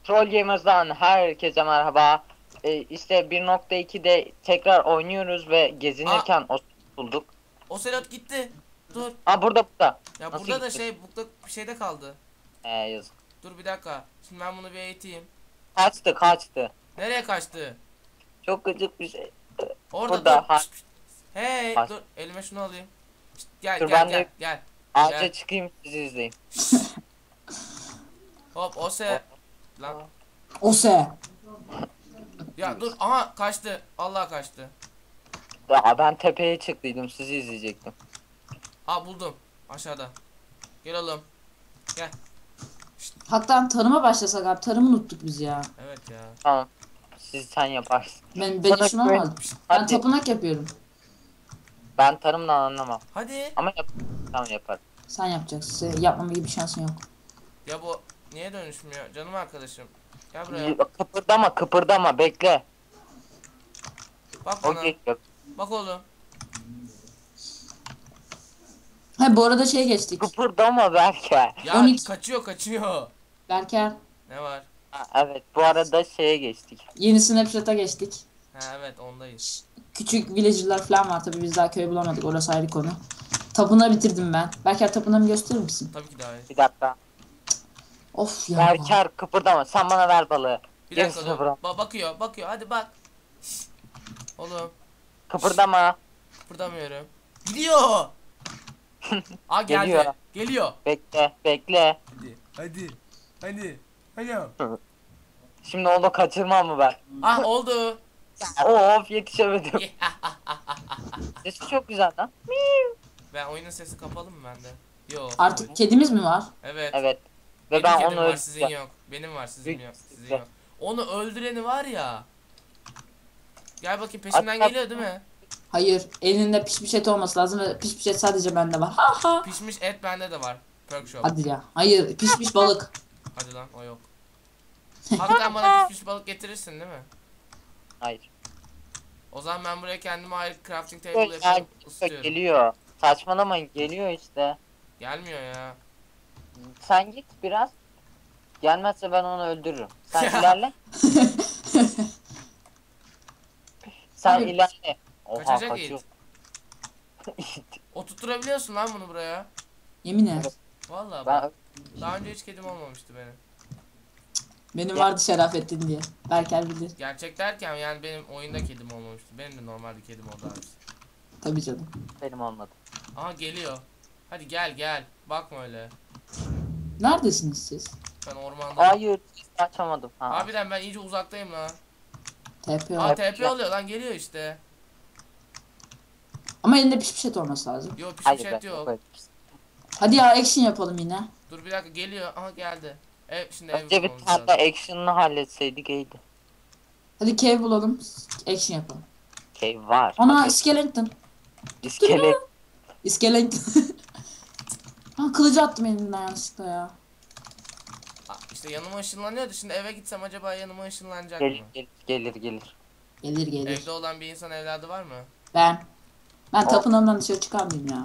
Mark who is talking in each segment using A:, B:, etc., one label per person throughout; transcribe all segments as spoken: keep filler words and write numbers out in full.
A: Troll Gamers'dan herkese merhaba. Ee, işte bir nokta ikide tekrar oynuyoruz ve
B: Aa,
A: gezinirken o bulduk.
B: Ocelot gitti. Dur.
A: Aa burada burada.
B: Ya
A: Nasıl
B: burada da
A: gitti?
B: şey bukta bir şeyde kaldı.
A: Ee, yazık.
B: Dur bir dakika. Şimdi ben bunu bir eğiteyim.
A: Kaçtı kaçtı.
B: Nereye kaçtı?
A: Çok gıcık bir şey.
B: Orada dur.
A: Burada. Ha,
B: Pişt, pişt. Hey
A: kaç.
B: dur elime şunu alayım. Pişt, gel
A: Dur
B: gel
A: ben
B: gel
A: de
B: gel.
A: ağaca
B: Gel.
A: çıkayım sizi izleyin.
B: Hop Ose. Lan.
C: Ose.
B: Ya dur aha kaçtı. Allah kaçtı.
A: Ya ben tepeye çıktıydım sizi izleyecektim.
B: Aa buldum. Aşağıda. Gel oğlum. Gel.
C: Hatta tarıma başlasak abi. Tarımı unuttuk biz ya.
B: Evet ya.
A: Tamam. Siz sen yaparsın.
C: Ben ben
A: Sana
C: şunu
A: güven-
C: almadım. Ben
A: Hadi.
C: tapınak yapıyorum.
A: Ben tarımdan anlamam.
B: Hadi.
A: Ama yap tamam yaparım.
C: Sen yapacaksın. Senin yapmama gibi bir şansın yok.
B: Ya bu niye dönüşmüyor? Canım arkadaşım. Gel buraya.
A: Y- Kıpırdama kıpırdama bekle.
B: Bak
A: O
B: bana.
A: geliyor.
B: Bak oğlum.
C: Ha bu arada şey geçtik.
A: Kıpırdama belki.
B: Ya
C: on iki.
B: kaçıyor kaçıyor.
C: Berker.
B: Ne var?
A: Ha, evet bu arada şeye geçtik.
C: Yeni Snapchat'a geçtik.
B: Ha evet ondayız.
C: Küçük villager'lar falan var. Tabii biz daha köy bulamadık. Orası ayrı konu. Tapınağı bitirdim ben. Berker tapınağımı gösterir misin?
B: Tabii ki daha iyi.
A: Bir dakika.
C: Of ya.
A: Berker kıpırdama sen bana ver balığı.
B: Bir
A: Gerisi
B: dakika dur.
A: bırak.
B: Ba bakıyor bakıyor hadi bak. Şşt. Oğlum
A: Kıpırdama.
B: kıpırdamıyorum. Gidiyor. Aa geldi.
A: Geliyor.
B: Geliyor.
A: Bekle bekle.
B: Hadi hadi. Hadi. Hadi.
A: Şimdi onu kaçırmam mı ben?
B: Ah oldu.
A: Of yetişemedim. Sesi çok güzel lan.
B: Ben oyunun sesi kapalı mı bende? Yok.
C: Artık kedimiz mi var?
B: Evet.
A: Evet. Ve
B: Benim
A: ben
B: kedim
A: onu
B: var sizin
A: öldüreceğim.
B: yok. Benim var sizin
A: Büyük
B: yok. Sizin
A: güzel.
B: yok. Onu öldüreni var ya. Gel bakayım peşimden
A: Hatta-
B: geliyor değil mi?
C: Hayır. Elinde pişmiş et olması lazım ve pişmiş et sadece bende var. Ha ha.
B: Pişmiş et bende de var. Perk shop.
C: Hadi ya. Hayır. Pişmiş balık.
B: Hadi lan o yok. Hakikaten bana pişmiş balık getirirsin değil mi?
A: Hayır.
B: O zaman ben buraya kendime ayrı crafting table
A: Böyle
B: yapıp
A: ya,
B: ısıtıyorum.
A: geliyor. Saçmalamayın geliyor işte.
B: Gelmiyor ya.
A: Sen git biraz. Gelmezse ben onu öldürürüm. Sen ilerle. Sen
C: Abi-
A: ilerle. Oha
B: Kaçacak
A: kaçıyor.
B: Oturtturabiliyorsun lan bunu buraya.
C: Yemin et.
B: Vallahi bak.
A: Ben
B: Daha önce hiç kedim olmamıştı benim.
C: Benim vardı Şerafettin diye. Berker bilir.
B: Gerçek derken yani benim oyunda kedim olmamıştı. Benim de normal bir kedim oldu abi.
C: Tabii canım.
A: benim olmadı.
B: Aha geliyor. Hadi gel gel. Bakma öyle.
C: Neredesiniz siz?
B: Ben ormandayım.
A: Hayır açamadım. Ha.
B: Harbiden ben iyice uzaktayım lan.
C: T P
B: Aa
C: var.
B: T P oluyor lan geliyor işte.
C: Ama elinde pişmiş et olması lazım.
B: Yok pişmiş
A: Hayır
B: et
A: ben
B: yok.
A: yok.
C: Hadi ya action yapalım yine.
B: Dur bir dakika geliyor. Aha geldi. Ev şimdi ev
A: Önce bir
B: bulmamız
A: tane
B: lazım.
A: action'ını halletseydik iyiydi.
C: Hadi cave bulalım. Action yapalım.
A: Cave var.
C: Ana
A: Hadi.
C: iskeleton.
A: İskelet.
C: İskeleton. Ha kılıcı attım elimden yanlışlıkla ya.
B: Aa, İşte yanıma ışınlanıyordu. Şimdi eve gitsem acaba yanıma ışınlanacak
A: Gelir
B: mı?
A: gelir gelir gelir.
C: Gelir gelir.
B: Evde olan bir insan evladı var mı?
C: Ben. Ben
A: O-
C: tapınağımdan dışarı çıkarmayayım ya.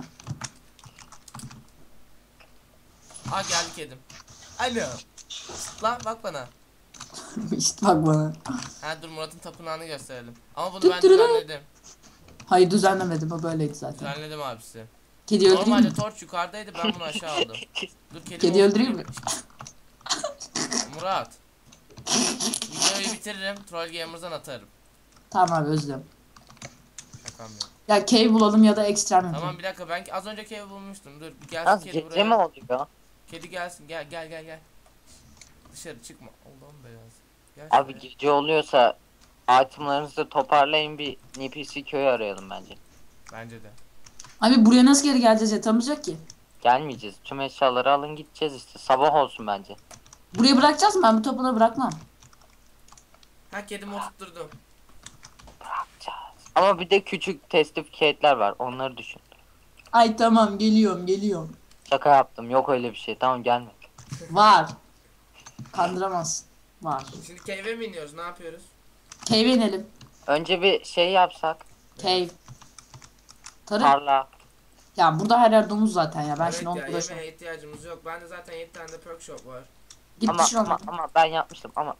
B: Aa geldi kedim. Alo. Lan bak bana.
C: işte bak bana.
B: Ha dur Murat'ın tapınağını gösterelim. Ama bunu
C: Tut
B: ben
C: tururu.
B: düzenledim.
C: Hayır düzenlemedim o böyleydi zaten.
B: Düzenledim abisi.
C: Kedi öldüreyim
B: Normalde
C: mi?
B: torç yukarıdaydı ben bunu aşağı aldım. Dur kedimi
C: Kedi öldüreyim mi?
B: Murat. Videoyu bitiririm. Troll Gamers'dan atarım.
C: Tamam abi özlem.
B: Şakam yok.
C: Ya cave bulalım ya da extreme yapalım.
B: Tamam bir dakika ben az önce ev bulmuştum. Dur bir gelsin
A: Az
B: kedi
A: gece
B: buraya.
A: mi oluyor?
B: Kedi gelsin gel gel gel gel. Dışarı çıkma. Allah'ım belası. Gel
A: Abi
B: şuraya.
A: gece oluyorsa itemlarınızı toparlayın bir N P C köyü arayalım bence.
B: Bence de.
C: Abi buraya nasıl geri geleceğiz yatamayacak ki?
A: Gelmeyeceğiz. Tüm eşyaları alın gideceğiz işte. Sabah olsun bence.
C: Buraya bırakacağız mı? Ben bu tapınağı bırakmam.
B: Ha kedimi oturtturdum.
A: Bırakacağız. Ama bir de küçük testificate'ler var. Onları düşün.
C: Ay tamam geliyorum geliyorum.
A: Şaka yaptım. Yok öyle bir şey. Tamam gelme.
C: Var. Kandıramazsın. Var.
B: Şimdi cave'e mi iniyoruz? Ne yapıyoruz?
C: Cave'e inelim.
A: Önce bir şey yapsak.
C: Cave. Tarım.
A: Tarla.
C: Ya burada her yer domuz zaten ya. Ben
B: Evet
C: şimdi onu
B: ya
C: uğraşamam.
B: yemeğe ihtiyacımız yok. Bende zaten yedi tane de perk shop var.
C: Git
A: Ama,
C: pişir
A: ama
C: onu.
A: ama ben yapmıştım ama.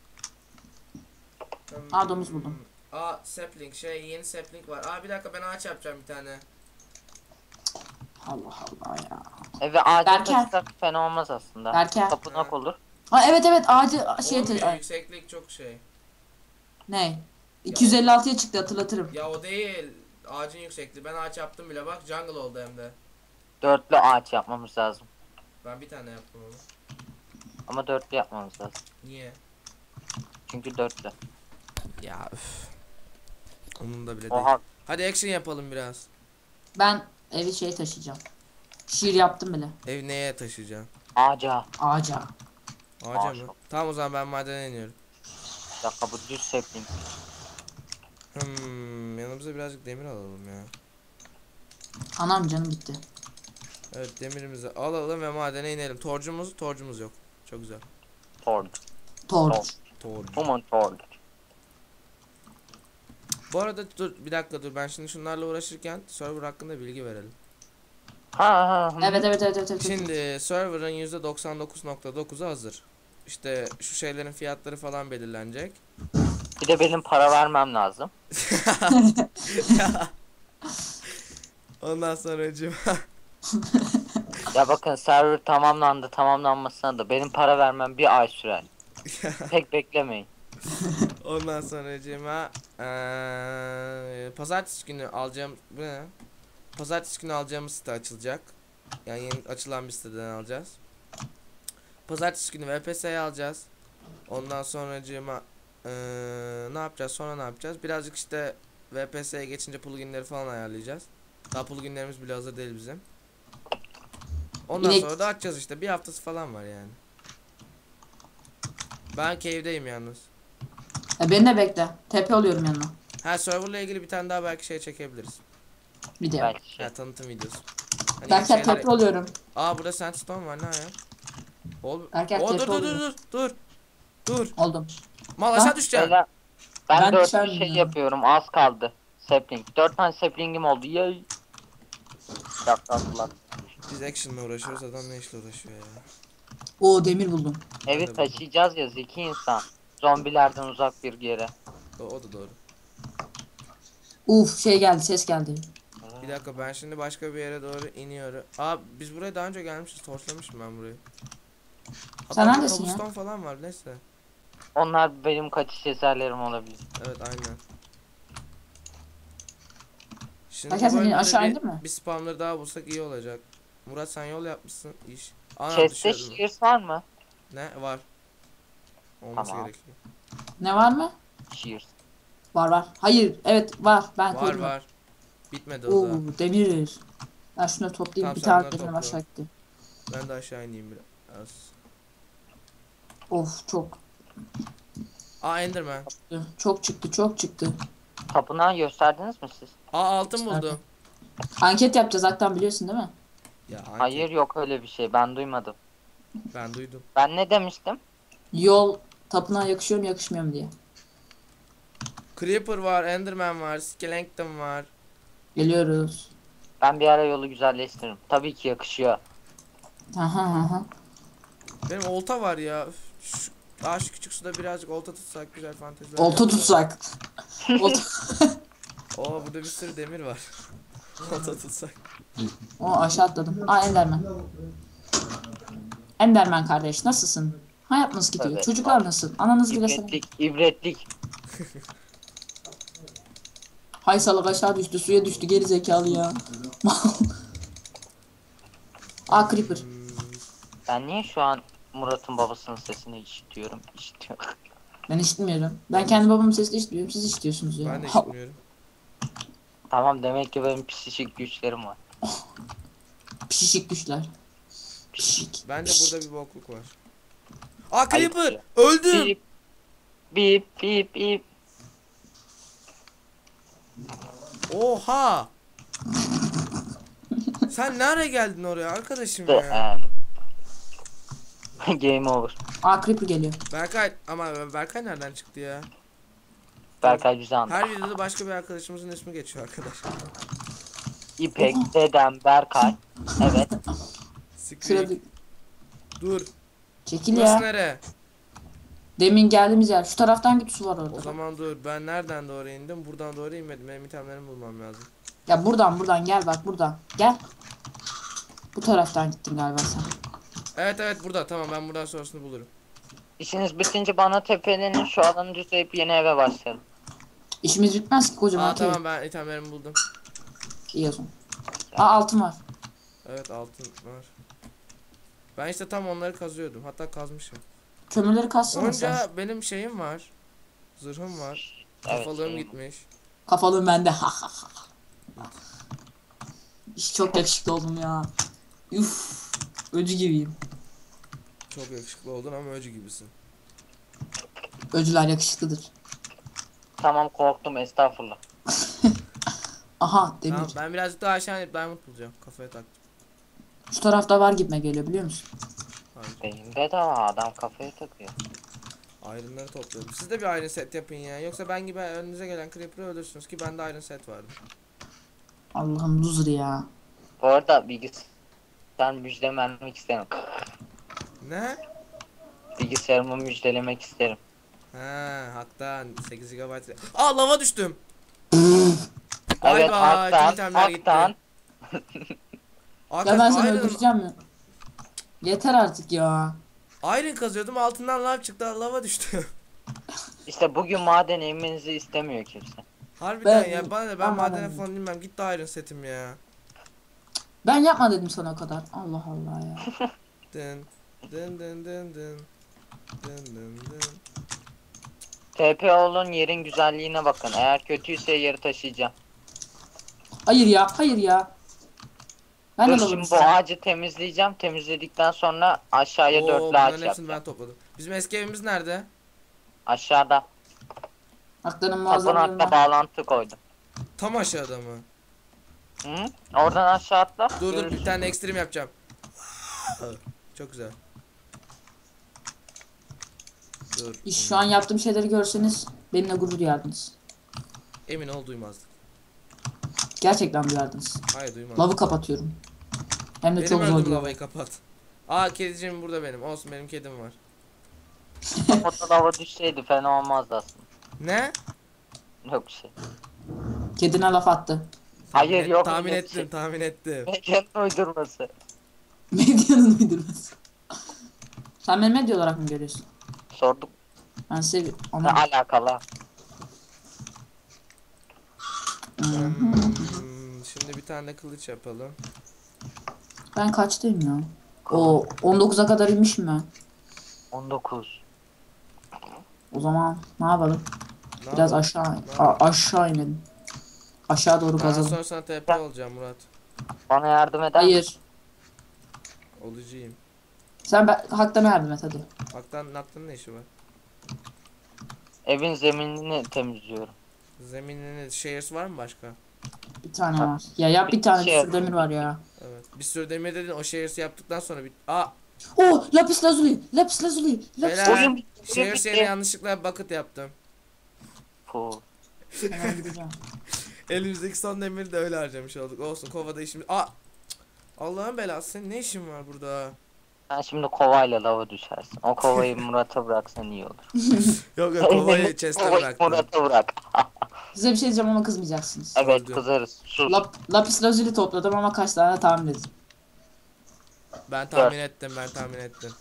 B: Hmm.
C: Aa, domuz buldum.
B: Aa sapling şey yeni sapling var. Aa bir dakika ben ağaç yapacağım bir tane.
C: Allah Allah ya.
A: Eve ağaca
C: Berker.
A: taşısak fena olmaz aslında.
C: Berker.
A: Tapınak
B: Ha.
A: olur.
C: Ha evet evet ağacı şey
B: Olmuyor yükseklik çok şey.
C: ne? iki yüz elli altıya çıktı hatırlatırım.
B: Ya o değil. Ağacın yüksekliği. Ben ağaç yaptım bile bak jungle oldu hem de.
A: Dörtlü ağaç yapmamız lazım.
B: Ben bir tane yaptım onu.
A: Ama dörtlü yapmamız lazım.
B: Niye?
A: Çünkü dörtlü.
B: Ya üf. Onun da bile değil.
A: Oha.
B: Hadi action yapalım biraz.
C: Ben evi şey taşıyacağım. Şiir yaptım bile.
B: Ev neye taşıyacaksın?
A: Ağaca.
C: Ağaca.
B: Ağaca
A: Ağaç.
B: mı? Tamam o zaman ben madene iniyorum.
A: Bir dakika bu düz sapling.
B: Hmm, yanımıza birazcık demir alalım ya.
C: Anam canım gitti.
B: Evet demirimizi alalım ve madene inelim. Torcumuz, torcumuz yok. Çok güzel.
A: Tord.
C: Torç.
B: Torcu.
A: Human tord.
B: Bu arada dur bir dakika dur ben şimdi şunlarla uğraşırken server hakkında bilgi verelim.
A: Ha ha. hı.
C: Evet evet evet evet. evet.
B: Şimdi server'ın yüzde doksan dokuz nokta dokuzu hazır. İşte şu şeylerin fiyatları falan belirlenecek.
A: Bir de benim para vermem lazım.
B: Ondan sonra
A: Ya bakın server tamamlandı, tamamlanmasına da benim para vermem bir ay sürer. Pek beklemeyin.
B: Ondan sonra eee pazartesi günü alacağım bu ne? Pazartesi günü alacağımız site açılacak. Yani yeni açılan bir siteden alacağız. Pazartesi günü V P S'yi alacağız. Ondan sonra ne yapacağız? Sonra ne yapacağız? Birazcık işte V P S'ye geçince pluginleri falan ayarlayacağız. Daha pluginlerimiz bile hazır değil bizim. Ondan
C: İnek.
B: sonra da açacağız işte. Bir haftası falan var yani. Ben cave'deyim yalnız.
C: E, beni de bekle. Tepe oluyorum yanına.
B: Ha serverla ilgili bir tane daha belki şey çekebiliriz.
C: Bir de.
A: Belki şey.
B: Ya tanıtım videosu. Hani
C: Berker
B: yeni şeyler-
C: tepe oluyorum.
B: Aa burada sandstone var ne ya? Ol.
C: Berker
B: Oo, dur
C: tepe
B: dur dur
C: oluyor.
B: dur dur. Dur.
C: Oldum.
B: Mal
C: Ha?
B: aşağı düşeceğim.
A: Beyler, ben,
C: Ben
A: dört
C: düşer
A: şey
C: miyim ya?
A: yapıyorum, az kaldı. Sapling. Dört tane saplingim oldu. Yay. Yaptılar.
B: Biz action'la uğraşıyoruz adam ne işle uğraşıyor ya.
C: Oo demir buldum.
B: Ben de
A: Evi
B: buldum.
A: taşıyacağız ya zeki insan. Zombilerden uzak bir yere.
B: O, o da doğru.
C: Uf şey geldi ses geldi.
B: Bir dakika ben şimdi başka bir yere doğru iniyorum. Aa biz buraya daha önce gelmişiz. Torçlamışım ben burayı. Hatta
C: Sen
B: burada
C: neredesin ya?
B: cobblestone falan var neyse.
A: Onlar benim kaçış eserlerim olabilir.
B: Evet aynen. Şimdi
C: Berker
B: bu
C: sen
B: bölümde
C: aşağı
B: bir,
C: indin mi?
B: bir spamları daha bulsak iyi olacak. Murat sen yol yapmışsın iş. Ana
A: Chest'te
B: düşüyordum.
A: shears var mı?
B: Ne var? Olması
A: Tamam.
B: gerekiyor.
C: Ne var mı?
A: Shears.
C: Var var. Hayır evet var. Ben
B: Var
C: koydum.
B: var. Bitmedi o
C: Oo
B: da.
C: demir. Ben şunu toplayayım.
B: Tamam,
C: bir
B: sen
C: tane
B: bunları
C: demirim
B: topla.
C: aşağı gitti.
B: Ben de aşağı ineyim biraz.
C: Of çok.
B: Aa Enderman.
C: Çok çıktı çok çıktı.
A: Tapınağı gösterdiniz mi siz?
B: Aa altın buldum.
C: Anket yapacağız hatta biliyorsun değil mi?
B: Ya hangi?
A: Hayır yok öyle bir şey, ben duymadım.
B: Ben duydum.
A: Ben ne demiştim?
C: Yol tapınağa yakışıyor mu yakışmıyor mu diye.
B: Creeper var, Enderman var, Skeleton var.
C: Geliyoruz.
A: Ben bir ara yolu güzelleştiririm. Tabii ki yakışıyor.
C: Aha aha.
B: Benim olta var ya. Üf, Şu, aa şu küçük suda birazcık olta tutsak güzel fanteziler.
C: Olta tutsak. Olta.
B: Oo burada bir sürü demir var. Olta tutsak.
C: O aşağı atladım. Aa Enderman. Enderman kardeş nasılsın? Hayat nasıl gidiyor?
A: Evet.
C: Çocuklar nasıl? Ananız bile sana.
A: İbretlik, ibretlik.
C: Hay salak aşağı düştü suya düştü geri zekalı ya. Aa creeper.
B: Hmm,
A: Ben niye şu an Murat'ın babasının sesini işitiyorum? İşitiyorum.
C: Ben işitmiyorum. Ben kendi babamın sesini işitmiyorum. Siz işitiyorsunuz ya.
B: ben de
C: Ha,
B: işitmiyorum.
A: Tamam demek ki benim psişik güçlerim var.
C: pişik güçler. Pişik.
B: Bence burada bir bokluk var. Aa
A: Ayıp
B: Creeper!
A: ya.
B: Öldüm!
A: Bip bip bip bip.
B: Oha! Sen nereye geldin oraya arkadaşım
A: The
B: ya?
A: end. Game over.
C: Aa creeper geliyor.
B: Berkay ama Berkay nereden çıktı ya?
A: Berkay bizi anladı.
B: Her videoda başka bir arkadaşımızın ismi geçiyor arkadaş.
A: İpek, Dedem, Berkay. Evet.
B: Screek.
C: Şurada
B: Dur.
C: Çekil
B: Burası
C: ya.
B: nere?
C: Demin geldiğimiz yer. Şu taraftan git, su var
B: O
C: orada.
B: zaman dur, ben nereden doğru indim? Buradan doğru inmedim. Benim itemlerimi bulmam lazım.
C: Ya buradan buradan gel bak buradan. Gel. Bu taraftan gittin galiba sen.
B: Evet evet, burada. Tamam, ben buradan sonrasını bulurum.
A: İşiniz bitince bana tepelenin, şu alanı düzleyip yeni eve başlayalım.
C: İşimiz bitmez ki kocaman
B: Aa
C: köy.
B: tamam, ben itemlerimi buldum.
C: İyi o zaman. Aa altın var.
B: Evet, altın var. Ben işte tam onları kazıyordum. Hatta kazmışım.
C: Kömürleri kassana sen.
B: Onca benim şeyim var. Zırhım var.
A: Evet,
B: Kafalığım
A: şeyim.
B: gitmiş.
C: Kafalığım bende. Ha ha ha. İş çok yakışıklı oldum ya. Uf. Öcü gibiyim.
B: Çok yakışıklı oldun ama öcü gibisin.
C: Öcüler yakışıklıdır.
A: Tamam, korktum, estağfurullah.
C: Aha demir.
B: Tamam, ben birazcık daha aşağı inip diamond bulacağım. Kafaya taktım.
C: Şu tarafta var gitme geliyor biliyor musun?
B: Hayır.
A: Beyin bedava, adam kafaya takıyor.
B: Iron'ları topluyorum. Siz de bir iron set yapın ya. Yoksa ben gibi önünüze gelen creeper'ı öldürürsünüz ki bende iron set vardı.
C: Allah'ım loser ya.
A: Bu arada bilgisayar müjdemi vermek isterim.
B: Ne?
A: Bilgisayarımı müjdelemek isterim.
B: Ha, haktan sekiz gigabayt. Aa, lava düştüm.
A: Evet,
B: Bay bay.
A: haktan,
B: Tüm itemler gitti.
A: haktan.
C: Ya ben seni
B: Arkadaş, iron,
C: öldüreceğim mi? Yeter artık ya.
B: iron kazıyordum, altından lav çıktı, lava düştü.
A: İşte bugün maden inmenizi istemiyor kimse.
B: Harbiden
C: Ben-
B: ya, bana ne, ben
C: ben
B: madene
C: maden-
B: falan inmem. Gitti iron setim ya.
C: Ben yapma dedim sana o kadar. Allah Allah ya.
B: Dın dın dın dın dın. Dın dın dın.
A: T P olun, yerin güzelliğine bakın. Eğer kötüyse yeri taşıyacağım.
C: Hayır ya, hayır ya. Ben de
A: Dur,
C: lavabo
A: şimdi bu
C: istiyorum.
A: ağacı temizleyeceğim. Temizledikten sonra aşağıya
B: Oo,
A: dörtlü
B: bunların
A: ağaç
B: hepsini
A: yapacağım.
B: ben topladım. Bizim eski evimiz nerede?
A: Aşağıda.
C: Hakların muazzam
A: Tapınakla bağlantı koydum.
B: Tam aşağıda mı?
A: Hı? Oradan aşağı atla.
B: Dur dur,
A: görürsün.
B: bir tane ekstrem yapacağım. Çok güzel. Dur.
C: Şu an yaptığım şeyleri görseniz benimle gurur duyardınız.
B: Emin ol, duymazdık.
C: Gerçekten duyardınız.
B: Hayır, duymazdık.
C: Lavı kapatıyorum. Hem de
B: Benim
C: çok zor
B: öldüm,
C: diyor.
B: lavayı kapat. Aa, kediciğim burada benim. Olsun, benim kedim var.
A: Foto lava düşseydi fena olmazdı aslında.
B: Ne?
A: Yok bir şey.
C: Kedine laf attı.
A: Hayır,
B: Tahmin et-
A: yok
B: Tahmin
A: öyle bir
B: ettim,
A: şey.
B: tahmin ettim.
A: Medyanın uydurması.
C: Medyanın uydurması. Sen beni medya olarak mı görüyorsun?
A: Sorduk.
C: Ben size
A: Ne
C: ona...
A: alakalı?
B: Hmm, şimdi bir tane de kılıç yapalım.
C: Ben kaçtayım ya? O on dokuza kadar inmişim ben.
A: on dokuz.
C: O zaman ne yapalım?
B: Ne
C: Biraz
B: yapalım?
C: aşağı
B: Ne
C: a- aşağı inelim. Aşağı doğru
B: Ben
C: kazalım.
B: sonra sana T P olacağım Murat.
A: Bana yardım eder misin?
C: Hayır.
B: Olacağım.
C: Sen ben, haktan yardım et hadi.
B: Haktan Naktan'ın ne işi var?
A: Evin zeminini temizliyorum.
B: Zemininin shares var mı başka?
C: Bir tane var. Ya yap bir tane, bir
A: Şey
C: sürü demir var ya.
B: Evet. Bir sürü demir dedin, o shares'i yaptıktan sonra bir... Aa!
C: Oh, lapis lazuli, lapis lazuli, lapis
B: Beyler,
C: lazuli.
A: Oyun bitti, oyun
B: shares
A: bitti.
B: yerine yanlışlıkla bucket yaptım.
A: Puh.
C: Hemen gideceğim.
B: Elimizdeki son demiri de öyle harcamış olduk. Olsun, kovada işimiz... Aa! Allah'ın belası, senin ne işin var burada?
A: Sen şimdi kovayla lava düşersin. O kovayı Murat'a bıraksan iyi olur.
B: Yok yok, kovayı chest'e
A: Kovayı
B: bıraktım.
A: Murat'a bırak.
C: Size bir şey diyeceğim ama kızmayacaksınız.
A: Evet,
B: Gördüm.
A: kızarız. Sus.
C: Lap, lapis lazuli topladım ama kaç tane tahmin edin.
B: Ben tahmin ettim, ben tahmin ettim.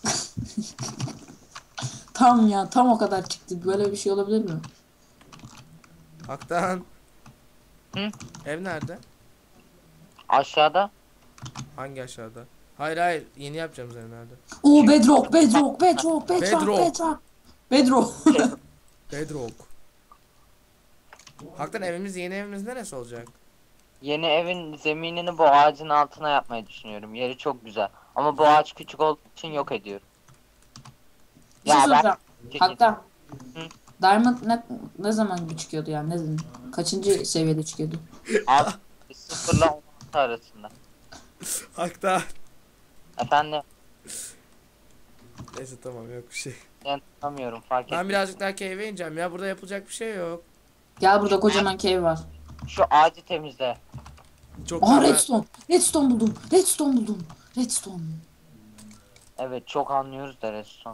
C: Tam ya, tam o kadar çıktı. Böyle bir şey olabilir mi?
B: Haktan.
A: Hı?
B: Ev nerede?
A: Aşağıda.
B: Hangi aşağıda? Hayır hayır, yeni yapacağım ev nerede?
C: Oo, bedrock, bedrock, bedrock, bedrock,
B: Bedrock.
C: bedrock. Bedrock.
B: Bedrock. Haktan, evimiz, yeni evimiz neresi olacak?
A: Yeni evin zeminini bu ağacın altına yapmayı düşünüyorum. Yeri çok güzel. Ama bu ağaç küçük olduğu için yok ediyorum.
C: Bir şey
A: Ya ben-
C: soracağım. Hatta
A: Hı?
C: Diamond ne, ne zaman gibi çıkıyordu yani? Ne zaman? Kaçıncı seviyede çıkıyordu?
A: Abi sıfırla on altı arasında.
B: Haktan.
A: Efendim,
B: Neyse tamam, yok bir şey.
A: ben tanımıyorum, fark ettim.
B: Ben birazcık daha cave'e ineceğim ya, burada yapılacak bir şey yok.
C: Gel, burada kocaman cave var.
A: Şu ağacı temizle.
B: Çok
C: Aha,
B: normal.
C: redstone. Redstone buldum. Redstone buldum. Redstone.
A: Evet çok anlıyoruz da Redstone.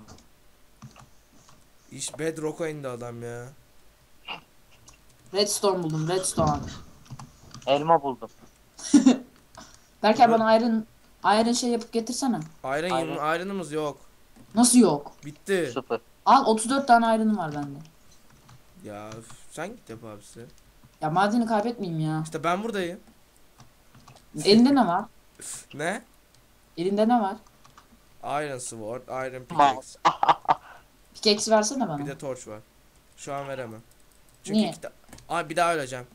B: İş Bedrock'a indi adam ya.
C: Redstone buldum. Redstone.
A: Elma buldum.
C: Berker
B: Burada-
C: bana iron iron şey yapıp getirsene.
B: Iron
A: Aynen.
B: yirmi iron'ımız yok.
C: Nasıl yok?
B: Bitti.
A: Sıfır.
C: Al otuz dört tane iron'ım var bende.
B: Ya üf, sen git yap abisi.
C: Ya madeni kaybetmeyeyim ya.
B: İşte ben buradayım.
C: Elinde ne var?
B: Ne?
C: Elinde ne var?
B: Iron sword, iron pickaxe.
A: Mouse.
C: Pickaxe versene
B: Bir
C: bana.
B: de torch var. Şu an veremem. Çünkü
C: Niye?
B: iki ta- Aa, bir daha öleceğim.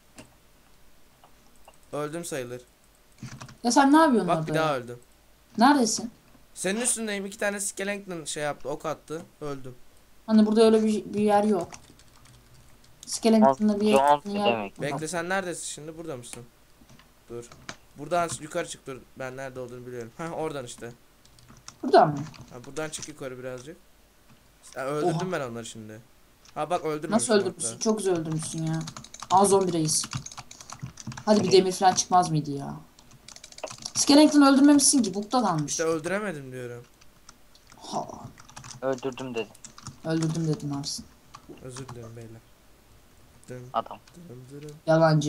B: Öldüm sayılır.
C: Ya sen ne yapıyorsun
B: Bak
C: orada
B: bir daha
C: ya?
B: öldüm.
C: Neredesin?
B: Senin üstündeyim. İki tane skeleton şey yaptı. Ok attı. Öldüm.
C: Hani burada öyle bir, bir yer yok. Skeleton'da bir yer,
A: Jones
C: bir yer
A: demek.
C: yok.
B: Bekle, sen neredesin şimdi? Burada mısın? Dur. Buradan yukarı çık, dur. Ben nerede olduğunu biliyorum. Heh, oradan işte.
C: Burada mı?
B: Ha, buradan çık yukarı birazcık. Ha, öldürdüm ben onları şimdi. Ha bak, öldürmemişim
C: Nasıl öldürmüşsün?
B: hatta.
C: Çok güzel öldürmüşsün ya. Aa zombi reis. Hadi bir demir falan çıkmaz mıydı ya? Skeleton'ı öldürmemişsin ki. Bukta kalmış.
B: İşte öldüremedim diyorum.
C: Ha,
A: Öldürdüm dedi
C: öldürdüm dedin Arsın.
B: Özür dilerim beyler. Dın
A: adam.
B: dın dırın.
C: Yalancı.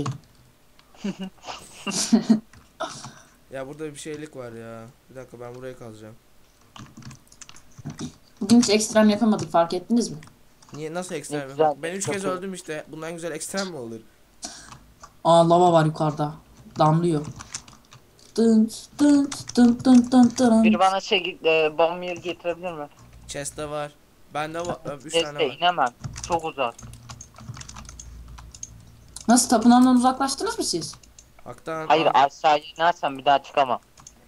B: Ya burada bir şeylik var ya. Bir dakika, ben burayı kazacağım.
C: Bugün hiç ekstrem yapamadık, fark ettiniz mi?
B: Niye, nasıl ekstrem?
A: güzel,
B: Ben üç
A: çok
B: kez
A: iyi.
B: öldüm işte. Bundan güzel ekstrem mi olur?
C: Aa lava var yukarıda. Damlıyor. Dın dın dın dın dın dın.
A: Biri bana şey e, bomb yeri getirebilir mi?
B: Chest'te var. Bende var. üç tane
A: Neyse
B: var.
A: inemem. Çok uzak.
C: Nasıl, tapınağından uzaklaştınız mı siz?
B: Haktan.
A: Hayır
B: Aa,
A: aşağı inersem bir daha çıkamam.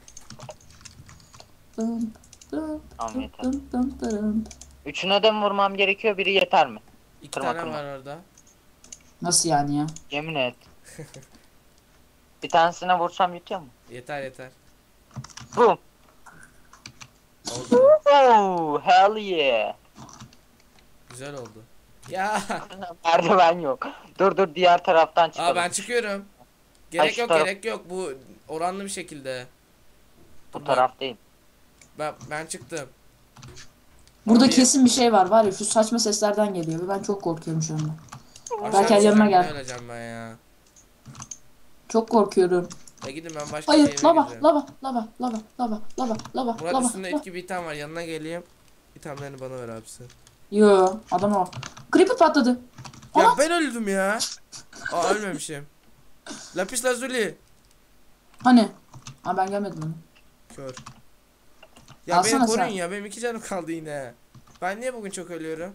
C: Dın dın
A: Tamam
C: dın
A: yeter.
C: dın dın dın.
A: Üçüne de mi vurmam gerekiyor? Biri yeter mi?
B: iki
A: kırma,
B: tane
A: kırma.
B: var orada.
C: Nasıl yani ya?
A: Yemin et. Bir tanesine vursam yetiyor mu?
B: Yeter yeter.
A: Boom.
B: Oldu.
A: Oh hell yeah.
B: Güzel oldu. Ya.
A: Merdiven yok. Dur dur diğer taraftan çıkalım.
B: Aa, ben çıkıyorum.
A: Ay,
B: Gerek
A: şu
B: yok
A: taraf-
B: gerek yok. Bu oranlı bir şekilde.
A: Bu
B: Dur,
A: taraf değil.
B: Ben ben çıktım.
C: Burada
B: Ama bir-
C: kesin bir şey var var ya, şu saçma seslerden geliyor ve ben çok korkuyorum şu anda.
B: Aşağı
C: Berker yanıma
B: düşeceğim,
C: gel.
B: ne öleceğim ben ya.
C: Çok korkuyorum.
B: Ya gidin, ben başka bir
C: Hayır,
B: eve
C: lava,
B: gideceğim.
C: lava, lava, lava, lava, lava, lava,
B: Murat,
C: lava.
B: üstünde
C: lava.
B: etki bir item var, yanına geleyim. İtemlerini bana ver abisi.
C: Yo, adam o. Creeper patladı.
B: Ya
C: Aa!
B: ben öldüm ya. Aa, ölmemişim. Lapis lazuli.
C: Hani? Aa ben gelmedim onu.
B: Kör. Ya
C: Alsana
B: beni koruyun
C: sen.
B: ya, benim iki canım kaldı yine. Ben niye bugün çok ölüyorum?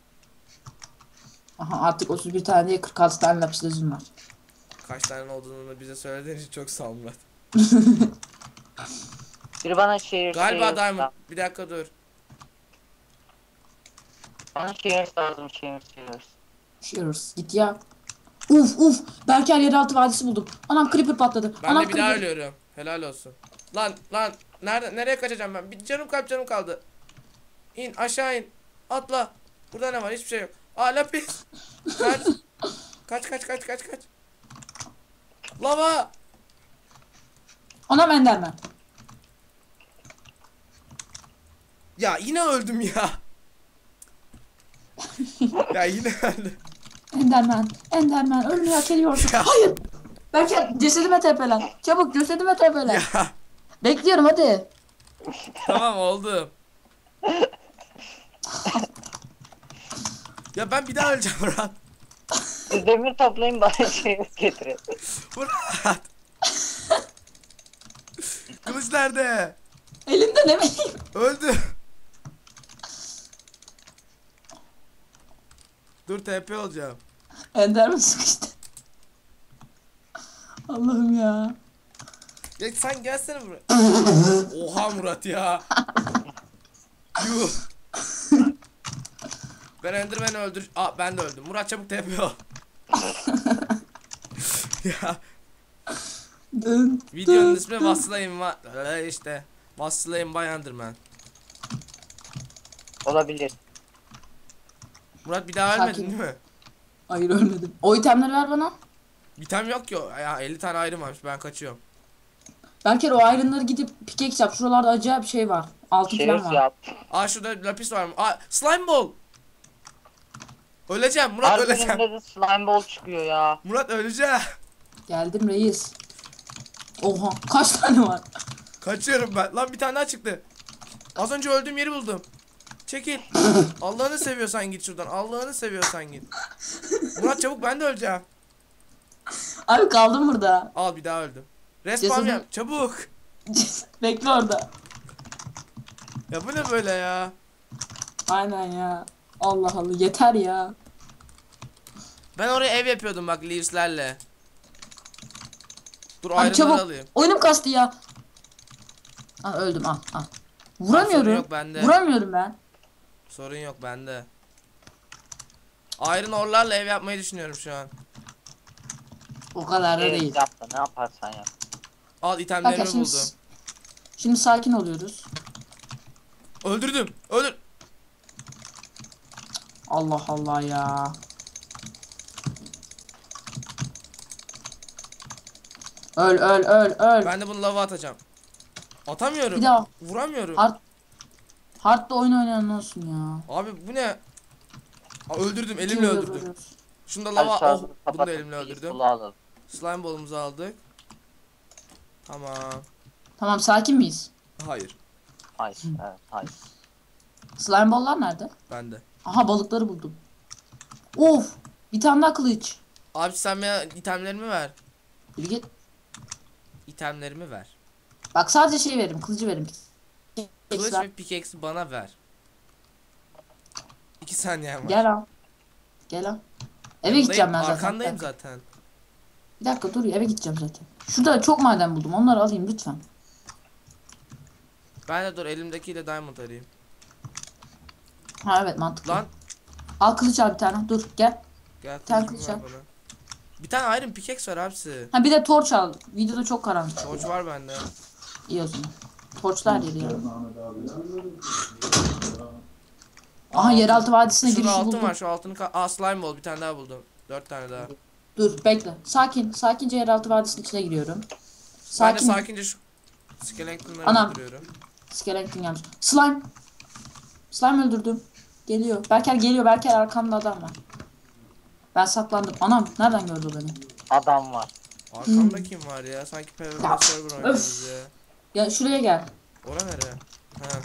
C: Aha artık otuz bir tane değil, kırk altı tane lapis lazım var.
B: Kaç tane olduğunu bize söylediğin için çok sağ ol Murat.
A: Biri bana şehir
B: Galiba
A: şehir
B: diamond. Bir dakika dur.
A: Bana şehir lazım şehir şehir.
C: Shears git ya. Uf uf. Berker yeraltı vadisi buldum. Anam creeper patladı.
B: Ben
C: Anam
B: de bir daha
C: creeper.
B: ölüyorum. Helal olsun. Lan lan nerede, nereye kaçacağım ben? Bir canım kalp canım kaldı. İn aşağı in. Atla. Burada ne var? Hiçbir şey yok. Aa, lapis. Kaç. Kaç kaç kaç kaç kaç. Lava.
C: Anam enderman.
B: Ya yine öldüm ya. Ya yine öldüm.
C: Enderman. Enderman. Ölmeyi hak ediyorsun.
B: Ya.
C: Hayır. Berker cesedime tepelen. Çabuk cesedime tepelen.
B: Ya
C: Bekliyorum hadi.
B: tamam oldu. Ya ben bir daha öleceğim Murat.
A: Siz demir toplayın bana şehir getirin.
B: Murat. Kılıç nerede?
C: Elimde ne bileyim.
B: Öldü. Dur, T P olacağım.
C: Enderman sıkıştı. Allah'ım ya.
B: Ya sen gelsene buraya. Oha Murat ya. Yuh. Ben Enderman'i öldür. Aa, ben de öldüm. Murat çabuk T P ol. Ya
C: Dın,
B: videonun
C: dın,
B: ismi
C: dın.
B: Vasılayım va Öyle işte. Vasılayım Bay Enderman.
A: Olabilir.
B: Murat bir daha
C: Sakin.
B: ölmedin değil mi?
C: Hayır ölmedim. O itemleri ver bana.
B: Bitem yok ki. o. Ya elli tane ayrım varmış. Ben kaçıyorum.
C: Berker o iron'ları gidip pickaxe yap. Şuralarda acayip şey var. Altın falan
A: Şerif
C: var.
A: yap.
B: Aa şurada lapis var mı? Aa slime ball. Öleceğim Murat,
A: Her
B: öleceğim.
A: bölümde de slime ball çıkıyor ya.
B: Murat öleceğim.
C: Geldim reis. Oha kaç tane var?
B: Kaçıyorum ben. Lan bir tane daha çıktı. Az önce öldüğüm yeri buldum. Çekil. Allah'ını seviyorsan git şuradan. Allah'ını seviyorsan git. Murat çabuk, ben de öleceğim.
C: Abi kaldım burada.
B: Al, bir daha öldüm. Respawn
C: Cesedin-
B: yap çabuk.
C: Bekle orada.
B: Ya bu ne böyle ya?
C: Aynen ya. Allah Allah yeter ya.
B: Ben oraya ev yapıyordum bak leaves'lerle. Dur
C: Abi
B: ayrımları
C: çabuk.
B: alayım.
C: Oyunum kastı ya. Aa, öldüm al al.
B: Sorun
C: Vuramıyorum.
B: yok bende.
C: Vuramıyorum ben.
B: Sorun yok bende. Iron ore'larla ev yapmayı düşünüyorum şu an.
C: O kadar da
A: Şerif
C: değil.
A: yap da ne yaparsan yap.
B: Al
C: Bak
B: itemlerimi
C: ya şimdi,
B: buldum.
C: şimdi sakin oluyoruz.
B: Öldürdüm. Öldür.
C: Allah Allah ya. Öl öl öl öl.
B: Ben de bunu lava atacağım. Atamıyorum.
C: Bir daha.
B: Vuramıyorum.
C: Hard, hard'da oyun oynayan olsun ya.
B: Abi bu ne? Aa, öldürdüm. Elimle
C: Kim
B: öldürdüm.
C: öldürüyoruz?
B: Şunu da
A: Hadi
B: lava. Oh,
A: şarjı
B: bunu da
A: kapatıp
B: elimle öldürdüm.
A: peaceful'u alalım.
B: Slime ball'umuzu aldık. Tamam.
C: Tamam sakin miyiz?
B: Hayır.
A: Hayır, evet, hayır.
C: Slime ball'lar nerede?
B: Bende.
C: Aha balıkları buldum. Of! Bir tane daha kılıç.
B: Abi sen bana itemlerimi ver.
C: Yürü git.
B: İtemlerimi ver.
C: Bak sadece şey veririm, kılıcı veririm.
B: Kılıç
C: Ekstra.
B: ve pickaxe'i bana ver. İki saniyem var.
C: Gel al. Gel al. Eve
B: Yanındayım,
C: gideceğim ben zaten.
B: Arkandayım
C: Bir dakika.
B: zaten.
C: Bir dakika dur eve gideceğim zaten. Şurada çok maden buldum. Onları alayım lütfen.
B: Ben de dur elimdekiyle diamond arayayım.
C: Ha evet mantıklı.
B: Lan
C: Al kılıç al bir tane. Dur gel.
B: gel
C: Sen
B: kılıcımı
C: kılıç
B: ver
C: al.
B: bana. Bir tane iron pickaxe var abisi.
C: Ha bir de torç al. Videoda çok karanlık.
B: Torç var bende.
C: İyi o zaman. Torçlar yeri ya. Aha yeraltı vadisine
B: Şurada
C: girişi
B: altın
C: buldum.
B: var, şu altını ka- Aa slime ball, bir tane daha buldum. Dört tane daha.
C: Dur bekle. Sakin. Sakince yeraltı vadisinin içine giriyorum.
B: Ben de
C: Sakin.
B: sakince şu skeletonları
C: Anam.
B: öldürüyorum.
C: Skeleton gelmiş. Slime. Slime öldürdüm. Geliyor. Berker geliyor. Berker arkamda adam var. Ben saklandım. Anam nereden gördü o beni?
A: Adam var.
B: Arkamda kim var ya? Sanki P V P
C: Ya,
B: server oynuyoruz ya.
C: Ya şuraya gel.
B: Ora nere? Ha.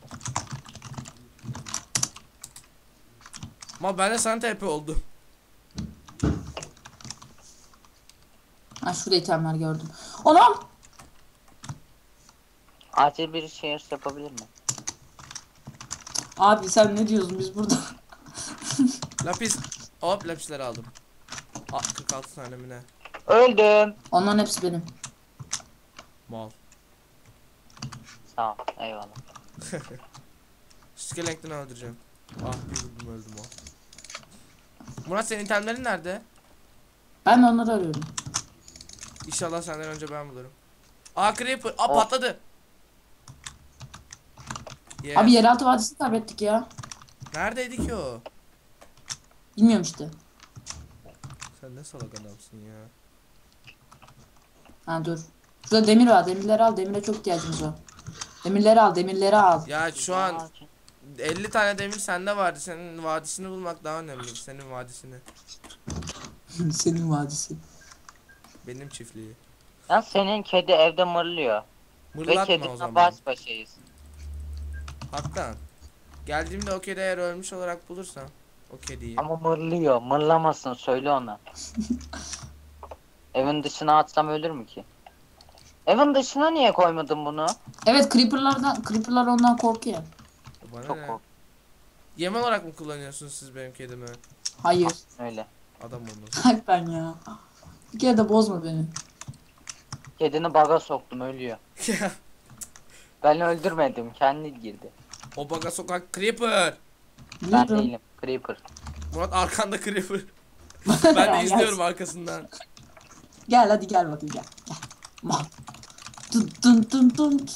B: Ama ben de sana T P oldu.
C: Ha şurada itemler gördüm. Anam.
A: Acil bir şey yapabilir mi?
C: Abi sen ne diyorsun biz burada?
B: Lapis. Hop lapisleri aldım. Aa, kırk altı tane mi ne?
A: Öldüm.
C: Onların hepsi benim.
B: Mal.
A: Sağ ol, eyvallah.
B: Skeleton'u öldüreceğim. Ah bir vurdum öldüm o. Murat senin itemlerin nerede?
C: Ben de onları arıyorum.
B: İnşallah senden önce ben bulurum. Aa creeper. Aa
A: Oh.
B: patladı. Yes.
C: Abi yeraltı vadisini kaybettik ya.
B: Neredeydi ki o?
C: Bilmiyorum işte.
B: Sen ne salak adamsın ya.
C: Ha dur. Şurada demir var. Demirleri al. Demire çok ihtiyacımız var. Demirleri al. Demirleri al.
B: Ya şu an elli tane demir sende vardı. Senin vadisini bulmak daha önemli. Senin vadisini.
C: Senin vadisi.
B: Benim çiftliği.
A: Ya senin kedi evde mırlıyor. Ve
B: Mırlatma o
A: kedinle
B: zaman.
A: baş başayız.
B: Haktan. Geldiğimde o kedi eğer ölmüş olarak bulursam o kediyi.
A: Ama mırlıyor. Mırlamasın söyle ona. Evin dışına atsam ölür mü ki? Evin dışına niye koymadın bunu?
C: Evet creeperlardan creeperlar ondan korkuyor.
B: Bana
A: Çok
B: ne?
A: kork.
B: Yem olarak mı kullanıyorsunuz siz benim kedimi?
C: Hayır.
A: Öyle.
B: Adam olmaz.
C: Hakikaten ya. Bir kere de bozma beni.
A: Kedini baga soktum ölüyor. Ben öldürmedim kendi girdi.
B: O baga sokak creeper.
A: Ben
C: Biliyorum.
A: değilim. Creeper.
B: Murat arkanda creeper. Ben de
C: Gel.
B: izliyorum arkasından.
C: Gel hadi gel bakayım gel. Gel. Mal. Tın tın tın tın.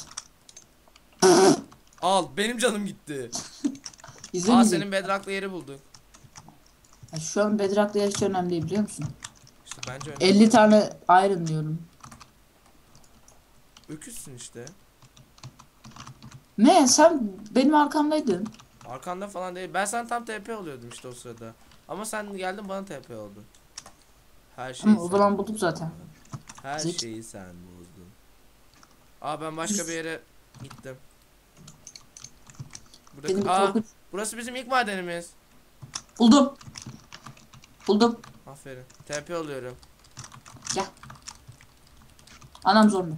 B: Al benim canım gitti. Aa
C: İzlemeyecek.
B: senin bedrock'lı yeri bulduk.
C: Ya şu an Bedrock'la hiç önemli değil biliyor musun?
B: İşte bence öyle.
C: elli tane iron diyorum.
B: Öküzsün işte.
C: Ne sen benim arkamdaydın.
B: Arkanda falan değil. Ben sana tam T P oluyordum işte o sırada. Ama sen geldin bana T P oldun. Her şeyi
C: Ama o
B: sen
C: zaman
B: bozdun.
C: buldum zaten.
B: Her
C: Zeki.
B: şeyi sen bozdun. Aa ben başka bir yere gittim.
C: Benim
B: Burada,
C: bir
B: aa,
C: korkunç.
B: burası bizim ilk madenimiz.
C: Buldum. Buldum.
B: Aferin. T P oluyorum.
C: Gel. Anam zombi.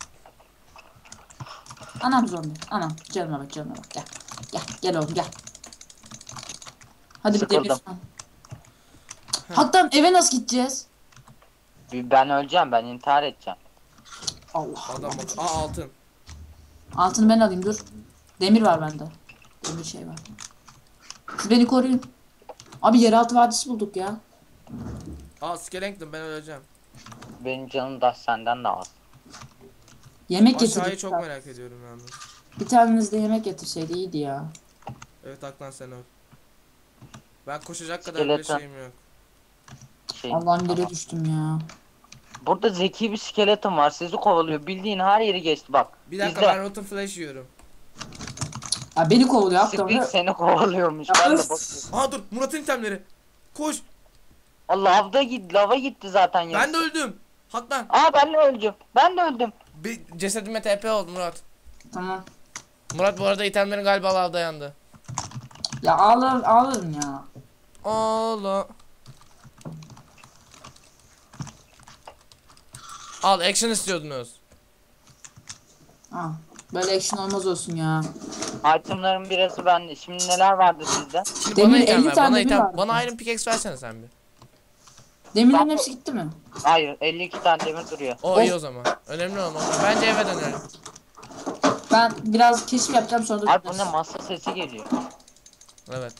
C: Anam zombi. Anam. Canıma bak canıma bak. Gel. Gel. Gel oğlum gel. Hadi bir demir.
A: Sıkıldım.
C: Hatta eve nasıl gideceğiz?
A: Ben öleceğim, ben intihar edeceğim.
C: Allah
B: Adam
C: Allah.
B: bak. Aa altın.
C: Altını ben alayım dur. Demir var bende. Demir şey var. Siz beni koruyun. Abi yeraltı vadisi bulduk ya.
B: Aa Skellington ben öleceğim.
A: Benim canım da senden de az.
C: Yemek
B: Aşağıyı
C: getirdik.
B: çok merak ediyorum yalnız.
C: Bir taneniz de yemek getirseydi iyiydi ya.
B: Evet Aklan sen öl. Ben koşacak kadar bile
A: Skeleton.
B: şeyim yok.
A: Şey,
C: Allah'ım yere
A: tamam.
C: düştüm ya.
A: Burada zeki bir skeleton var, sizi kovalıyor. Bildiğin her yeri geçti bak.
B: Bir dakika
A: İzle.
B: ben Rotten Flash yiyorum.
C: Ya beni kovalıyor hatta.
A: Spring seni kovalıyormuş. Ben de bakıyorum.
B: Aa dur Murat'ın itemleri. Koş.
A: Allah lavda gitti, lava gitti zaten ya.
B: Ben de öldüm. Haklan.
A: Aa ben de öldüm. Ben de öldüm.
B: Bir cesedime T P oldu Murat.
C: Tamam.
B: Murat bu arada itemlerin galiba lavda yandı.
C: Ya ağlar ağlarım ya.
B: Allah. Al action istiyordunuz.
C: Ha. Böyle action olmaz olsun ya.
A: Itemların birası bende. Şimdi neler vardı sizde?
B: Şimdi
C: Demir,
B: bana item
C: elli
B: ver.
C: tane
B: Bana
C: demir
B: item.
C: vardı.
B: Bana Iron Pickaxe versene sen bir.
C: Demirlerin hepsi gitti mi?
A: Hayır, elli iki tane demir duruyor.
B: O iyi o zaman. Önemli olmaz. Bence eve dönelim.
C: Ben biraz keşif yapacağım sonra da
A: Abi bu ne,
C: döneriz.
A: masa sesi geliyor.
B: Evet.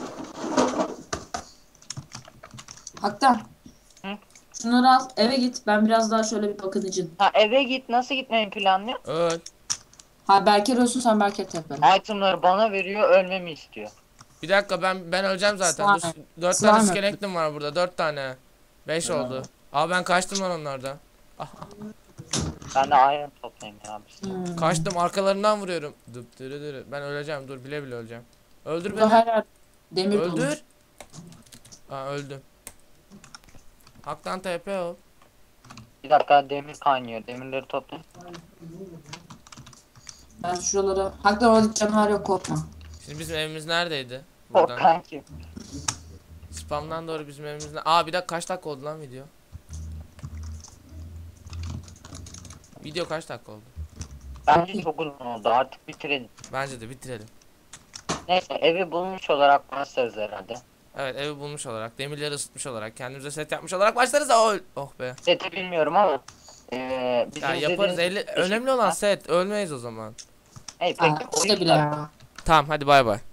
C: Hatta.
A: Hı?
C: Şunları al eve git. Ben biraz daha şöyle bir bakınıcın.
A: Ha eve git, nasıl gitmeyi planlıyor?
B: Öl.
C: Ha Berker ölsün sen Berker tepe.
A: Itemları bana veriyor, ölmemi istiyor.
B: Bir dakika ben ben öleceğim zaten. Dur,
C: Slime.
B: dört
C: Slime
B: tane
C: öldü.
B: skeleton var burada. Dört tane. Beş oldu. Aa ben kaçtım lan onlardan.
A: Ben de iron toplayayım ya.
C: Hmm.
B: Kaçtım arkalarından vuruyorum. Dıp dırı dırı. Ben öleceğim dur bile bile öleceğim. Öldür
C: Burada
B: beni.
C: her yer demir dolu.
B: Öldür. Aa öldüm. Haktan T P ol.
A: Bir dakika, demir kaynıyor. Demirleri toplayayım.
C: Ben şuralara. Hatta orada canavar yok korkma.
B: Şimdi bizim evimiz neredeydi? Buradan.
A: Korkan kim?
B: Spamdan doğru bizim evimiz ne? Aa bir dakika kaç dakika oldu lan video? Video kaç dakika oldu?
A: Bence çok uzun oldu, artık bitirelim.
B: Bence de bitirelim.
A: Neyse, evi bulmuş olarak başlarız herhalde.
B: Evet evi bulmuş olarak, demirleri ısıtmış olarak, kendimize set yapmış olarak başlarız da oh, oh be.
A: Seti bilmiyorum ama eee bizim
B: Ya yaparız.
A: izlediğiniz-
B: Elli, önemli olan set. Ölmeyiz o zaman.
A: Hey
C: Ha,
A: peki
C: işte bile ya.
B: Tamam hadi bay bay.